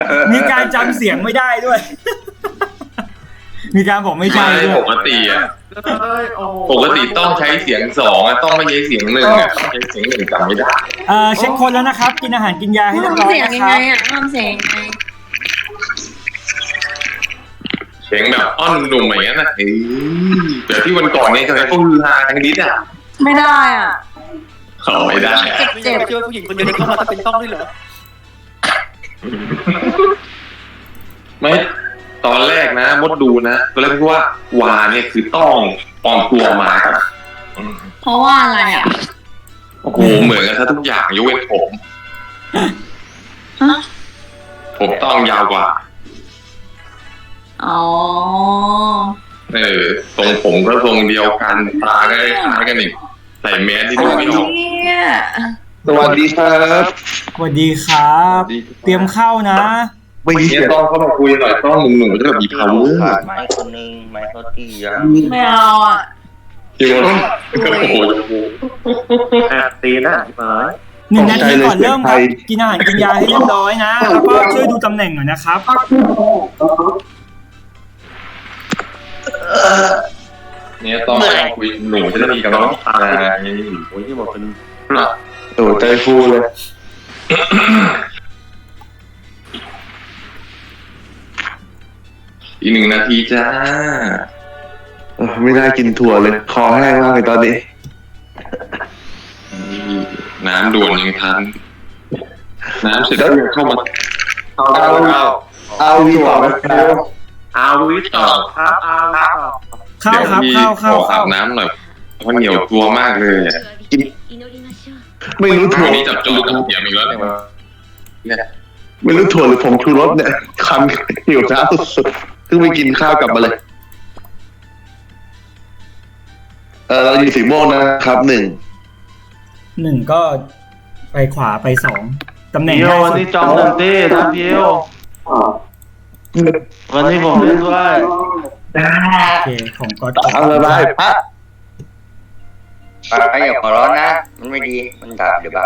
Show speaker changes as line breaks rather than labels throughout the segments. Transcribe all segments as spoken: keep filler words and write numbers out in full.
มีการจำเสียงไม่ได้ด้วย มีการบอกไม่ใช่ด้วย
ปกติอ่ะปกติต้องใช้เสียงสองอ่ะต้องไม่ใช้เสียงหนึ่งอ่ะต้องใช้เสียงหนึ่งจำไม่ได้
เอ่อเช็คคนแล้วนะครับ กินอาหารกินยาให้เรียบร้อยนะครับ
ทำเสียงยังไงอ่ะทำเสียงยังไง
เสียงแบบอ้อนหนุ่มอย่างนั้นนะเฮ้ยเดี๋ยวที่วันก่อนเนี่ยทำไมพวกฮือฮาทั้งนิดอ่ะ
ไม่ได้อ่ะ
เขาไม่ได้
เจ็บ
ไม่คิดว่าผู้หญิงคนเดียวเข้ามาจะเป็นต้องด้วยเหรอ
ไม่ตอนแรกนะมดดูนะตอนแรกคิดว่าวาเนี่ยคือต้องปลอมตัวมาครับ
เพราะว่าอะไรอ่ะ
โอ้โหเหมือนกันทุกอย่างยกเว้นผม
ฮะ
ผมต้องยาวกว่า
อ๋อ
เออทรงผมก็ทรงเดียวกันตาก็คล้ายกันอีกใส่แมสที่ดูไม่ออก
เนี่ย
สวัสดีครับ
สวัสดีครับ เตรียมเข้านะ
ไม่เสี
เนี่ย ยต้องเข้ามาคุยหน่อยต้องหนุ่มหนุ่มจะแบบมี power
ขาดไม้คนนึงไม้เขาตีอ่ะ
ไม่เอาอ่ะ
จริงเหรอก็โอ้โห
แอบตีนะมา
หนึ่งนาทีก่อนเริ่มครับ กินอาหารกินยาให้เรียบร้อยนะ แล้วก็ช่วยดูตำแหน่งหน่อยนะครับ
เนี่ยต้องคุยหนุ่มจะได้มีกับน้องตาไง
โอ้ยที่บอกเป็น
โอ้ใจฟูเลย
อีกหนึ่งนาทีจ้า
เออไม่ได้กินถั่วเลย คอแห้งมากเลยตอนนี้
น้ำด่วนยังทันน้ำเสร็จแล้วเข้ามา
เอาเอาเอา
เอาวีต่อไหมครับ
เอาวิทย์ต่อครับเอาต่อ
เข้าครับ
เดี๋ยว
เข้า
พี่ขออา
เข้าเข้า
บน้ำหน่อยเพราะเหนียวตัวมากเลยอ่ะ
ไม่รู้ถั่ว
วันนี้จับจูกับเหนียวอีกแล้วเนี่ย
ไม่รู้ถั่วหรือผงชูรสเนี่ยคันหิวน้ำสุดๆเพิ่งไปกินข้าวกลับมาเลย เออเราอยู่สีม่วงนะครับหนึ่ง
หนึ่งก็ไปขวาไปสองตำแหน่ง
เพียว
ง่าย
วัน
สุ
นี้
ด
จอมเต็มที่นะเพียววันนี้ผมเล่นด้วย
โอเคของก๊อต
เอาละได้ปะ
ปาอย่าหัวร้อนนะ มันไม่ดีมันดับเดี๋ยวบ้า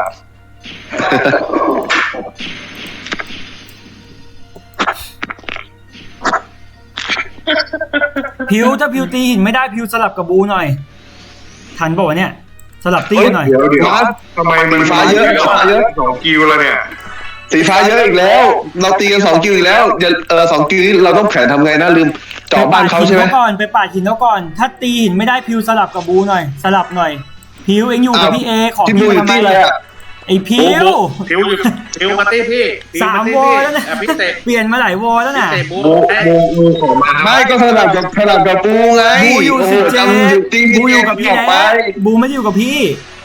พิวถ้าพิวตีหินไม่ได้พิวสลับกับบูหน่อย ทันบอกว่าวะเนี่ย สลับตีกันหน่อย
เดี๋ยวเดี๋ยว
ทำไมมัน
ฟ้าเยอะฟ้าเยอะ
สองกิวแล้วเนี่ย
สีฟ้าเยอะอีกแล้ว เราตีกันสองกิวอีกแล้วอย่าเออสองกิวนี้เราต้องแผนทำไงนะลืมเจาะบ้านเขาใช่ไหม
ปปดหินก่อนไปปาดหินเขาก่อน ถ้าตีหินไม่ได้พิวสลับกับบูหน่อย สลับหน่อย พิวเอ็งอยู่กับพี่เอขอ
ที่
พิ
ดู
ว
อยู่
ทำไม
ที่อะไรอ่ะ
ไอพิว
พิวอยู่พิวมาตี้พี่
สามวอลแล้วนะ
พิเศษ
เปลี่ยนมาหลายวอลแล้วน่ะ
พิเศษบู
โมโมโมของมา
ไม่ก็สลับกับสลับกับปูไง
บูอยู่สิเจ
โอ้โหจำจริง
บูอยู่กับพี่
ออกไป
แล้วบูไม่ได้อยู่กับพี่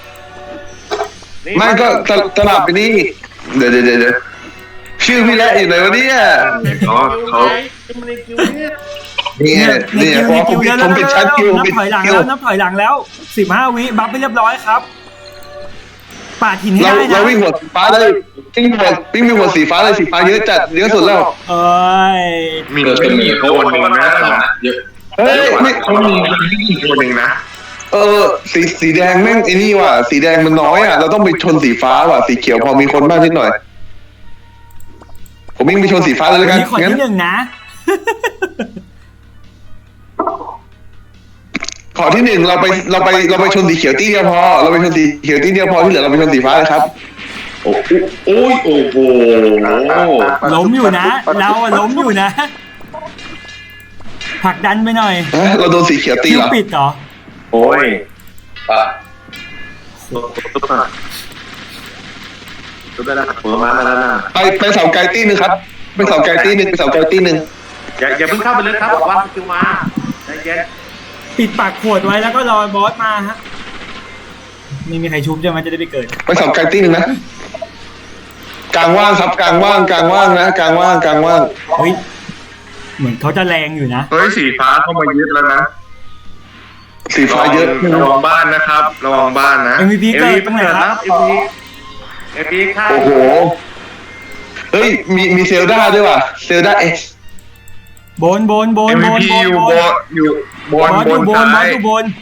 ไม่ก็สสลับไปนี่เดี๋ยวเดี๋ยวเดี๋ยวชื่อพี่และอยู่ไหนวะเนี่ย
เขาเขามันในคิวเนี่ย
นี่
เนี่ย
นี่
ใน
เพราะผ
คิ
ม
วในคิว
ผมเป็นชั้นคิว
นับ
เป็น
ถอยหลัง
คิว
แล้วนับถอยหลังแล้วสิบห้าวิบัฟไปเรียบร้อยครับปาดหินให้
เรา
ได้นะ
เราวิ่งหัวสีฟ้าเลยวิ่งหัววิ่งมีหัวสีฟ้าเลยสีฟ้าเยอะจัดเยอะสุดแล้ว
เอ้ย
มีก็มีเขาคนหนึ่งนะเยอะ
เฮ้ยไม่
เขามีอีกคนหนึ่งนะ
เออสีสีแดงแม่งไอ้นี่ว่ะสีแดงมันน้อยอ่ะเราต้องไปชนสีฟ้าว่ะสีเขียวพอมีคนมากนิดหน่อย ผมวิ่งไปชนสีฟ้าเลยแล้วกัน
นี่คน
งั้น
ที่หนึ่งนะ
ขอที่หนึ่งเราไปเราไปเราไปชนสีเขียวตีเดียวพอ เราไปชนสีเขียวตีเดียวพอที่เหลือเราไปชนสีฟ้าเลยครับ
โอ้โอ้ยโอ้โห
ล้มอยู่นะ เราอะล้มอยู่นะผลักดันไปหน่อย
ฮะเราโดนสีเขียวตี
คิว
เหรอ
ปิดเหรอ
โอ้ย
ป่ะ
ตุ๊บอ่ะตุ๊บได้แล้วหัวมาแล้วนะ
ไปไปเสาไกลตีหนึ่งครับไปเสาไกลตีหนึ่งไปเสาไกลตีหนึ่ง
อย่าอย่าเพิ่งเข้าไปเลยครับบอกว่าคิวมาใจเย็น
ปิดปากขวดไว้แล้วก็รอบอสมาฮะไม่มีใครชุบใช่ไหมจะได้ไปเกิด
ไปเสาไกลตีหนึ่งนะกลางว่างครับกลางว่างกลางว่างนะกลางว่างกลางว่าง
เฮ้ยเหมือนเขาจะแรงอยู่นะ
เฮ้ยสีฟ้าเข้ามายึดแล้วนะ
สีฟ้าเยอะ
ระวังบ้านนะครับระวังบ้านนะ
เอ็ม วี พี เกิดตรงไหนครับ
เอ็มพีเอ็มพีค่ะ
โอ้โหเฮ้ยมีมีเซลดาด้วยว่ะเซลดาเอ็กซ์
บนบนบน
เอ็ม
บ
วี
น
พี
บน
อยู่
บบ น
นอยู่บบ
อน สอบ ยู่
น
บนบอ
ซ้า
ส
ย
อยู่บน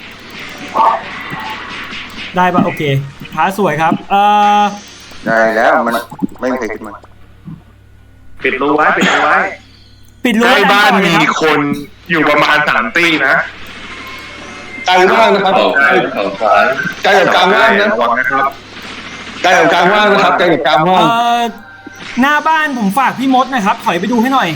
ได้ปะโอเคท้าสวยครับ เอ่อ
ได้แล้วมันไม่มีใครขึ้นมา
ปิดรูไว้ปิดรูไว้
ปิดรั้ว
ใกล้บ้าน
ดันต่อเลย
มี
ครับ
คนอยู่ประมาณสามตีนะ
ไกลมากนะครับ
ต่อซ้ายต่อซ้าย
ไกลกับกลางว่างนะ
ระวังนะครับ
ไกลกับกลางว่างนะครับไกลกับกลางว่าง
เอ่อหน้าบ้านผมฝากพี่มดหนะครับถอยไปดูให้หน่อย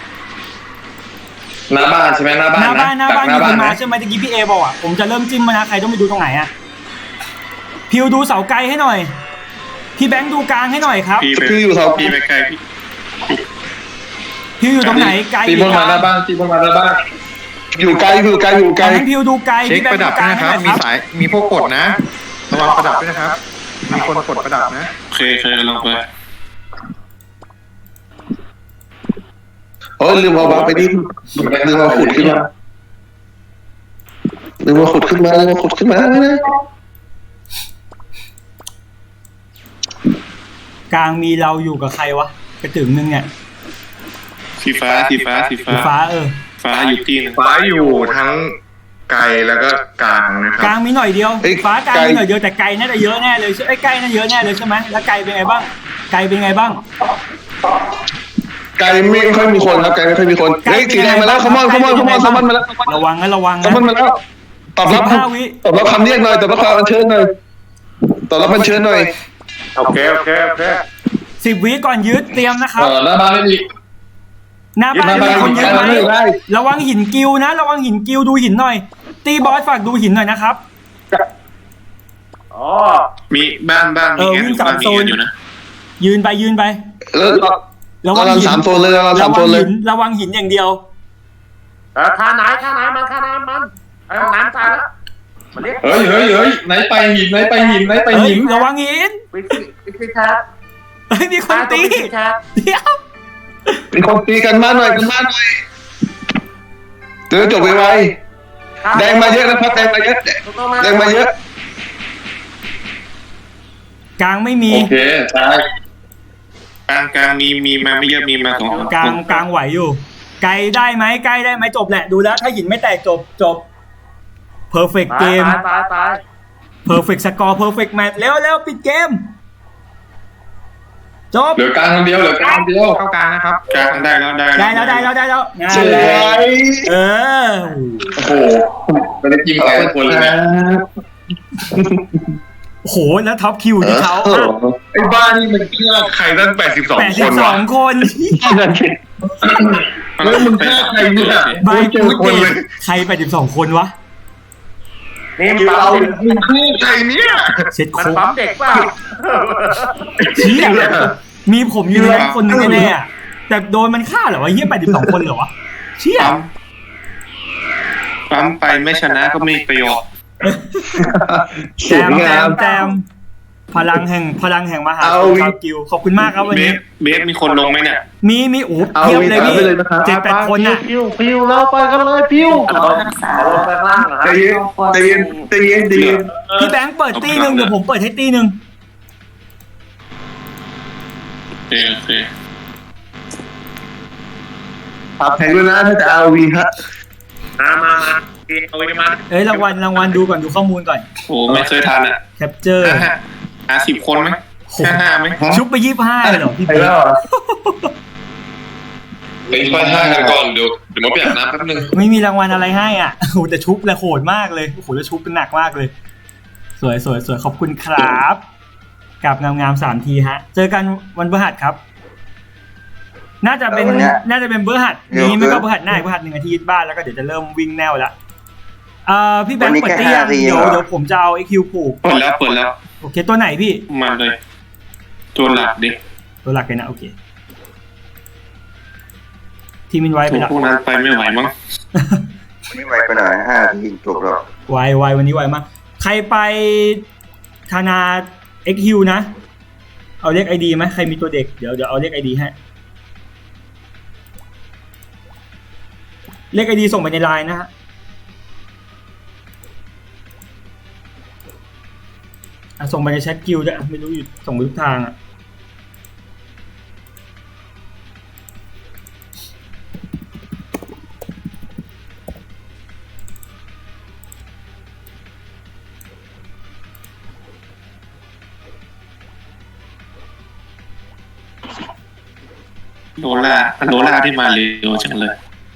หน้าบ้านใช่ไหมหน้าบ้าน
หน้าบ้านหน้าบ้าน
ห
มี
น้า
ค
บ้าน
นมา
นะ
ใช่ไหมตะกี้พี่เอบอกอ่ะผมจะเริ่มจิ้มมานะใครต้องไปดูตรงไหนอ่ะพิวดูเสาไกลให้หน่อยพี่แบงค์ดูกลางให้หน่อยครับ
พี่ไป
พี่อยู่เสา
พี่ไปไกลพี่
พิวอยู่ตรงไหนไกล
ตีบนมาหน้าบ้านตีบนมาหน้าบ้าน
อยู่ไกลอยู่ไกลอยู่ไกล
อันนั้นพิวดูไกล
เช็ค
พี่แบง
ประ
ค์
ดั
ดู
บ
ก
ด้
ลา
วย
ง
นะ
ให้
ค
ห
รั
น่
บ
อยครับ
มีสายมีพวกกดนะระวังประดับด้วยนะครับ มีคนกดประดับนะเคยเคยลองไป
โอ้ยลืมเอาวางไปดิลืมเอาขุดขึ้นมาลืมเอาขุดขึ้นมาลืมเอาขุดขึ้นมา
กลางมีเราอยู่กับใครวะกระตึงนึงเนี่ย
สีฟ้าสีฟ้าสี
สี
ฟ้า
ฟ้าเออ
ฟ้าอยู่ที่นึงฟ้าอยู่ทั้งไกลแล้วก็กลางนะค
ก
รั
ลา
บ
งมีหน่อยเดียวฟ้ากลางมีหน่อยเดียวแต่ไกลน่าจะเยอะแน่เลยใช่ไอ้ยใกล้น่าเยอะแน่เลยใช่ไหมแล้วไกลเป็นไงบ้างไกลเป็นไงบ้าง
ไกลไม่ค่อยมีคนครับไกลไม่ค่อยมีคนเฮ้ยสีแดงมาแล้วขมอนขมอนขมอนขมอนมาแล้ว
ระวังนะระวัง
ข
นะ
มอนมาแล้วตอบรับ
สิบห้าวิ
ตอบรับคำเรียกหน่อยตอบรับคำอัญเชิญหน่อยตอบรับอัญเชิญหน่อย
โอเคโอเคโอเค
สิบวิก่อนยึดเตรียมนะครับ
เออหน้าบ้านไม่มี
หน้าบ้าน
หน้าบ้าน
มีคนยึดไหม
ไม่ได้
ระวังหินกิวนะ ระวังหินกิวดูหินหน่อย ตีบอสฝากดูหินหน่อยนะครับ
อ๋อ
มีบ้านบ้านมี
เออ
แก
วิ่งสาม
บ้านมี
โซน
แกอยู่นะ
ยืนไปยืนไป
แล้ว
ระวั
เรา
ง
เรา
หิน
สามโซนเลยเราสาม
ระ
โซ
วัง
นเล
หิ
ย
นระวังหินอย่างเดียว
เออค่าไหนค่าไหนมันค่าน้ำมันไอ้ห้องน้ำตายแล้วมาเรียก
เฮ้ยเฮ้ยเฮ้ยไหนไปหินไหนไปหินไหนไป
เฮ้ย
หิน
ระวังหิน
วิธีวิธีครับ
เฮ้ยมีคนตี
วิธีครับ
เดี๋ยว
มีคนตีกันบ้านหน่อยกันบ้านหน่อยเดี๋ยวจบไวๆแดงมาเยอะนะครับแดงมาเยอะแดงมาเยอะ
กลางไม่มี
โอเคตาย
กลางกลางมีมีมาไม่เยอะมีมาสอง
กลางกลางไหวอยู่ ไกลได้ไหมไกลได้ไหมจบแหละดูแล้ว ถ้าหินไม่แตกจบจบ perfect
ตาย
game
ตายตายตาย
perfect score perfect match เร็วเร็วปิดเกม จบ
เหลือกลางคนเดียวเหลือกลางคนเดียว
เข้ากลางนะครับกลางได้แล้วได้
ได้แล้วได้แล้วได้แล้วงาน
สว
เลย
ย
เออ
โอ้โหไม่ได้ยิงใครทุกคนเลยนะ
โอ้โหแล้วท็อปคิวที่เขา
ไอ้บ้านนี่มันฆ่าใครตั้งแปดสิบสอง
แปด
ค
สิบ
น
สอ
วะ
งคน
แล้วมึงฆ่าใครเนี่ย
ใบ
ไม่เจอ
กู
คน
เด
เลย
ใครแปดสิบสองคนวะ
นี่มันปั๊มเด็ก
มึงฆ่าใครเนี่ย
เช็ด
มัน
โค้ง
ปั๊มเด็กเปล่า
เชี่ยมีผมอยู่ในนั้นคนหนึงแน่ๆอะแต่โดนมันฆ่าเหรอวะเฮียแปดสิบสองคนเหรอวะเชี่ย
ปั๊มปั๊มไปไม่ชนะก็ไม่มีประโยชน์
ส
แจ
วย
มแจ
งาม
มแจมพลังแห่งพลังแห่งมหา
เอา
ชาวกิวขอบคุณมากครับวัน
เบ
นี้
สเบสมีคนลงไหมเนี่ย
มีมีอู๋
เอา
เพียบเลยพี่
เอาไปเลยนะครับ
เจ็ดแปดคนน่ะ
พิวพิวเราไปกันเลยพิวเอาลงไปข้างล่างนะ
ใจเย็นใจเย็นใจเย็นใจเย็น
พี่แบงค์เปิดตีหนึ่งเดี๋ยวผมเปิดให้ตีหนึ่ง
โอเคโอเค
ปรับแพงด้วยนะถ้าจะเอาวีฮะ
มามามาเอาไว้มา
เอ้ยรางวัลรางวัลดูก่อนดูข้อมูลก่อน
โอ้ไม่เคยทันอ่ะ
แคปเจอร์
ห้าห้าหาสิบคนไหมห้าห้าไหม
ชุบไปยี่สิบห้าเลยเหรอพี่
ไป
เบ
แล้ว
ง
เหรอ
เฮ้ยไปห้ากันก่อนเดี๋ยวเดี๋ยวมาเปลี่ยนน้ำแป๊บนึง
ไม่มีรางวัลอะไรให้อ่ะโอ้โหแต่ชุบเลยโหดมากเลยโอ้โหแล้วชุบเป็นหนักมากเลย สวยสวยสวยขอบคุณครับกับงามงามๆสามทีฮะ เจอกันวันพฤหัสครับ น่าจะเป็น
เออวันเนี้ย
น่าจะเป็นพฤหัส
เดี๋ยว
นี้ไม่ก็พฤหัสหน้าอีกพฤหัสหนึ่งอาทิตย์บ้านแล้วก็เดี๋ยวจะเริ่มวิ่งแนวละเอ่อพี่แบง
วัน
ค์
นี้
เปิด
แค่
เตี้ยง
ห้าที
เดี๋ยว
เหรอ
เดี๋ยวผมจะเอาไอคิวผูก
เปิดแล้วเปิดแล้ว
โอเคตัวไหนพี่
มาเลย ตัวหลักดิ
ตัวหลักเลยนะโอเคทีมินไว้ไป
ตัว
แล้ว
พวกนั้นไปไม่ไหวมั้ง
ไม่ไหวไปหน่อยห้าทีจบแล้ว
ไวไววันนี้ไวมากใครไปธนาเอ็กฮิวนะ เอาเลขไอดีไหมใครมีตัวเด็กเดี๋ยวเดี๋ยวเอาเลขไอดีให้เลขไอดีส่งไปในไลน์นะฮะอ่ะส่งไปในแชทกิลด้วยอ่ะไม่รู้อยู่ส่งไปทุกทางอ่ะ
โนล่าโนล่าที่มาเร็วจังเลย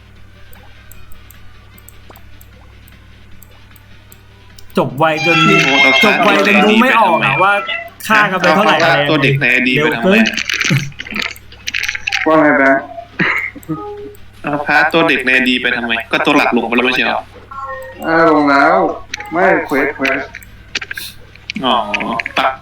จบไวจนจบไวจนดูไม่ออกอะว่าค่ากันไปเท่าไหร่อะไร
ตัวเด็กในอดีตไปทำไม
ว่าไงแบงค์
เอาพาตัวเด็กในอดีตไปทำไมก็ตัวหลักลงไปแล้วไม่ใช่หรอ
อ่าลงแล้ว ไม่เควสเควส
อ๋อปัก